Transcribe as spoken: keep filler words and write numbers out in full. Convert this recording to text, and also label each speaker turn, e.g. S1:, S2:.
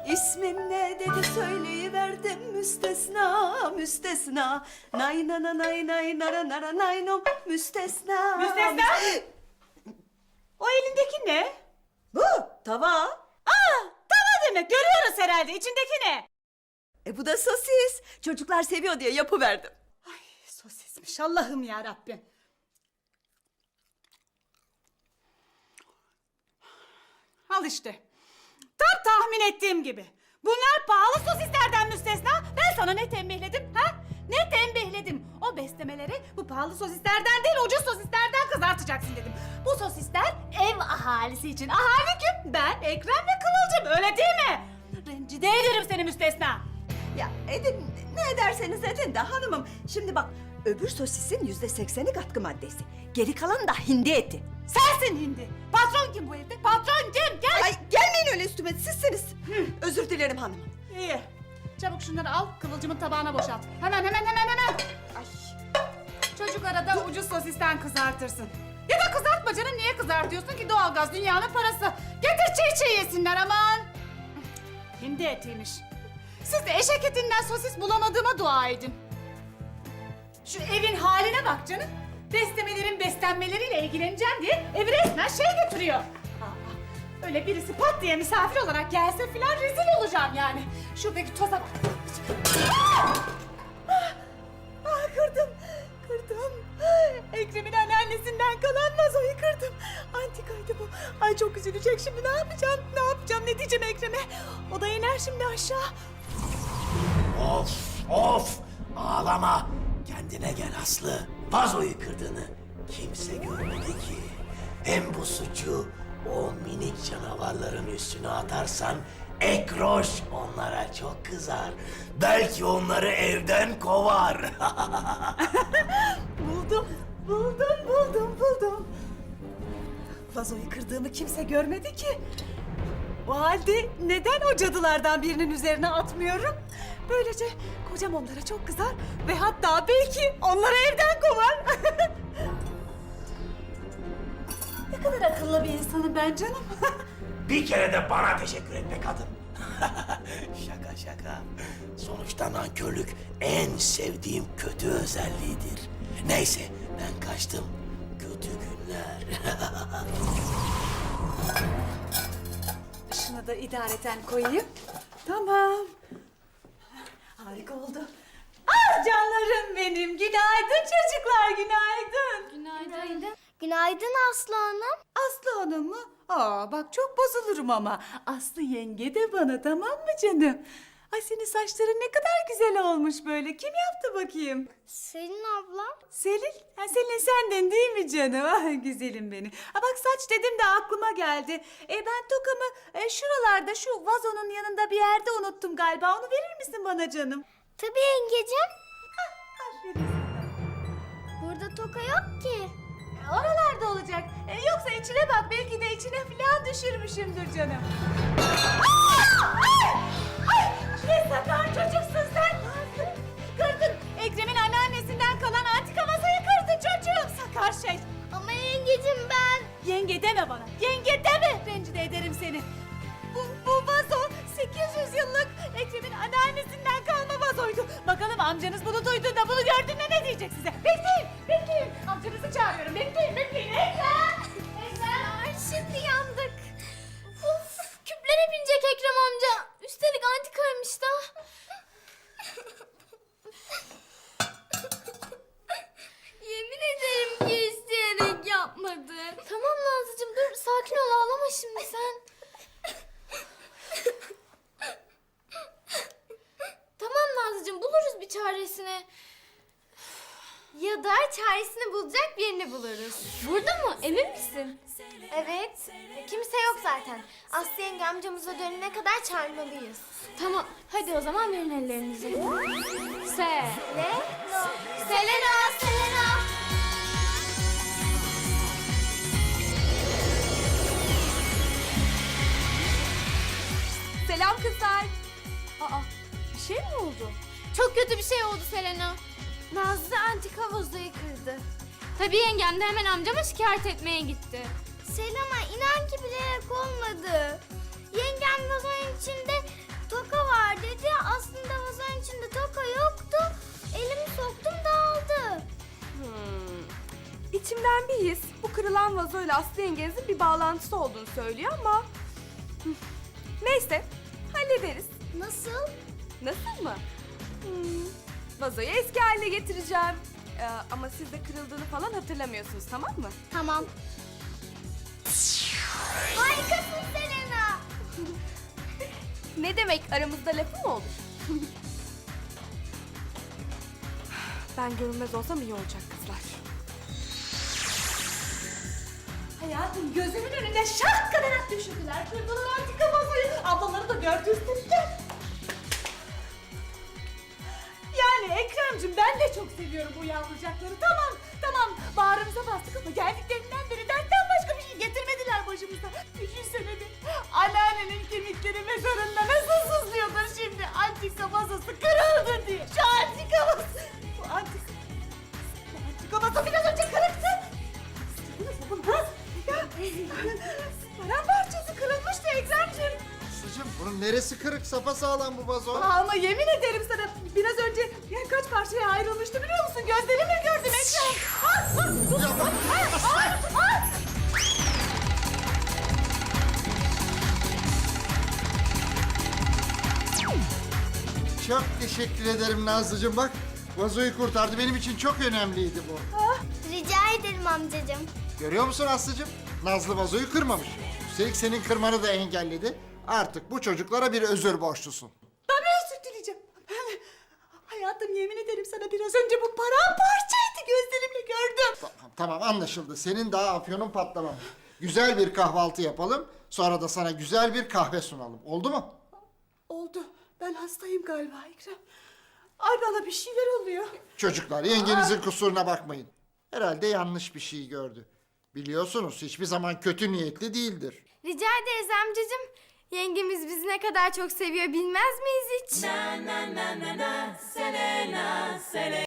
S1: İsmin ne dedi söyleyiverdim müstesna müstesna. Nay na na nay nay nara nara nay no müstesna.
S2: Müstesna! O elindeki ne?
S1: Bu tava.
S2: Aa, tava demek. Görüyoruz herhalde. İçindeki ne?
S1: E bu da sosis. Çocuklar seviyor diye yapıverdim.
S2: Ay, sosismiş. Allah'ım ya Rabbim. Al işte. Tam tahmin ettiğim gibi. Bunlar pahalı sosislerden müstesna. Ben sana ne tembihledim ha? Ne tembihledim? O beslemeleri bu pahalı sosislerden değil ucuz sosislerden kızartacaksın dedim. Bu sosisler ev ahalisi için. Ahali kim? Ben, Ekrem ve Kıvılcım, öyle değil mi? Rencide ederim seni müstesna.
S1: Ya edin ne ederseniz edin de hanımım. Şimdi bak öbür sosisin yüzde sekseni katkı maddesi. Geri kalan da hindi eti.
S2: Sensin hindi. Patron kim bu evde? Patron kim? Gel.
S1: Ay gelmeyin öyle üstüme sizsiniz. Özür dilerim hanımım.
S2: İyi. Çabuk şunları al, Kıvılcım'ın tabağına boşalt. Hemen hemen hemen hemen.
S1: Ay.
S2: Çocuk arada ucuz sosisten kızartırsın. Ya da kızartma canım, niye kızartıyorsun ki? Doğalgaz dünyanın parası. Getir çiğ çiğ yesinler aman. Hindi etiymiş. Siz de eşek etinden sosis bulamadığıma dua edin. Şu evin haline bak canım. Beslemelerin beslenmeleriyle ilgileneceğim diye evi resmen şey götürüyor. Aa, öyle birisi pat diye misafir olarak gelse filan rezil olacağım yani. Şuradaki toza bak. Ah! Ah! Ah, kırdım, kırdım. Ekrem'in anneannesinden kalan vazoyu kırdım. Antikaydı bu. Ay çok üzülecek şimdi, ne yapacağım, ne yapacağım, ne diyeceğim Ekrem'e? O da iner şimdi aşağı.
S3: Of of ağlama. Kendine gel Aslı. Vazoyu kırdığını kimse görmedi ki. Hem bu suçu o minik canavarların üstüne atarsan Ekroş onlara çok kızar. Belki onları evden kovar.
S2: Buldum, buldum, buldum, buldum. Vazoyu kırdığımı kimse görmedi ki. O halde neden o cadılardan birinin üzerine atmıyorum? Böylece kocam onlara çok kızar ve hatta belki onları evden kovar. Ne kadar akıllı bir insanım ben canım.
S3: Bir kere de bana teşekkür et be kadın. Şaka şaka. Sonuçta nankörlük en sevdiğim kötü özelliğidir. Neyse ben kaçtım. Kötü günler.
S2: Şunu da idareten koyayım. Tamam. Harika oldu. Ah canlarım benim. Günaydın çocuklar, günaydın.
S4: Günaydın. Günaydın Aslı Hanım.
S2: Aslı Hanım mı? Aa bak çok bozulurum ama. Aslı yenge de bana, tamam mı canım? Ay senin saçların ne kadar güzel olmuş böyle. Kim yaptı bakayım?
S4: Selin abla.
S2: Selin? Ha, Selin senden değil mi canım? Ah güzelim benim. Ha bak saç dedim de aklıma geldi. E ben tokamı e, şuralarda şu vazonun yanında bir yerde unuttum galiba. Onu verir misin bana canım?
S4: Tabii yengecim.
S2: Aferin.
S4: Burada toka yok ki.
S2: E, Oralarda olacak. E, yoksa içine bak, belki de içine falan düşürmüşümdür canım. Aa! Ay! Ay! Ne sakar çocuksun sen. Kırdın. Ekrem'in anneannesinden kalan antika masayı kırdın çocuğum. Sakar şey.
S4: Ama yengecim ben.
S2: Yenge deme bana. Yenge deme. Rencide ederim seni. Bu, bu vazo sekiz yüz yıllık Ekrem'in anneannesinden kalma vazoydu. Bakalım amcanız bunu duyduğunda, bunu gördüğünde ne diyecek size? Bekleyin, bekleyin. Amcanızı çağırıyorum. Bekleyin, bekleyin. Ekrem! Ekrem!
S4: Ay şimdi yandık. Of, küplere binecek Ekrem amca. Üstelik antikaymış da. Yemin ederim ki isteyerek yapmadın. Tamam Nazlıcığım dur, sakin ol, ağlama şimdi sen. Tamam Nazlıcığım, buluruz bir çaresini. Ya da çaresini bulacak birini buluruz. Burada mı? Emin misin? Evet. Kimse yok zaten. Aslı yenge amcamıza dönene kadar çağırmalıyız. Tamam. Hadi o zaman verin ellerinizi. Se. Ne? No. Selena, Selena.
S2: Selam kızlar. Aa, bir şey mi oldu?
S4: Çok kötü bir şey oldu Selena. Nazlı antika vazoyu kırdı. Tabii yengem de hemen amcama şikayet etmeye gitti. Selena inan ki bilerek olmadı. Yengem vazonun içinde
S5: içimden bir his bu kırılan vazoyla Aslı yengenizin bir bağlantısı olduğunu söylüyor ama... Hı, neyse, hallederiz.
S4: Nasıl?
S5: Nasıl mı? Hmm, vazoyu eski haline getireceğim. Ee, ama siz de kırıldığını falan hatırlamıyorsunuz, tamam mı?
S4: Tamam. Harikasın Selena.
S5: Ne demek, aramızda lafı mı olur? Ben görünmez olsam iyi olacak kızlar.
S2: Hayatım gözümün önünde şak kadar at düşürdüler. Kırdılar antika vazoyu. Ablaları da gördürdüler. Yani Ekrem'cim ben de çok seviyorum bu yavrucakları. Tamam, tamam. Bağrımıza bastık ama geldiklerinden beri dertten başka bir şey getirmediler başımıza. Düşünsene bir. Anneannenin kemikleri mezarında nasıl sızlıyordur şimdi. Antika vazosu kırıldı diye. Şu antika vazosu. Bu antika... Bu antika vazo biraz önce kırıktı. Nasıl bunu ha? Ya, paramparçası kırılmıştı Ekrem'cim.
S6: Aslıcığım bunun neresi kırık? Sapasağlam bu vazo.
S2: Aa, ama yemin ederim sana biraz önce yani kaç parçaya ayrılmıştı biliyor musun? Gözlerimle gördüm Ekrem. Ah, ah, dur. Ah, ah, ah.
S6: Çok teşekkür ederim Nazlıcığım. Bak vazoyu kurtardı. Benim için çok önemliydi bu.
S4: Rica ederim amcacığım.
S6: Görüyor musun Aslıcığım? Nazlı vazoyu kırmamış. Üstelik senin kırmanı da engelledi. Artık bu çocuklara bir özür borçlusun.
S2: Tabii özür dileyeceğim. Hayatım yemin ederim sana biraz önce bu paramparçaydı gözlerimle gördüm.
S6: Tamam, tamam anlaşıldı. Senin daha afyonun patlamamış. Güzel bir kahvaltı yapalım. Sonra da sana güzel bir kahve sunalım. Oldu mu?
S2: Oldu. Ben hastayım galiba Ekrem. Ay bana bir şeyler oluyor.
S6: Çocuklar yengenizin kusuruna bakmayın. Herhalde yanlış bir şey gördü. Biliyorsunuz hiçbir zaman kötü niyetli değildir.
S4: Rica ederiz amcacığım. Yengemiz bizi ne kadar çok seviyor bilmez miyiz hiç?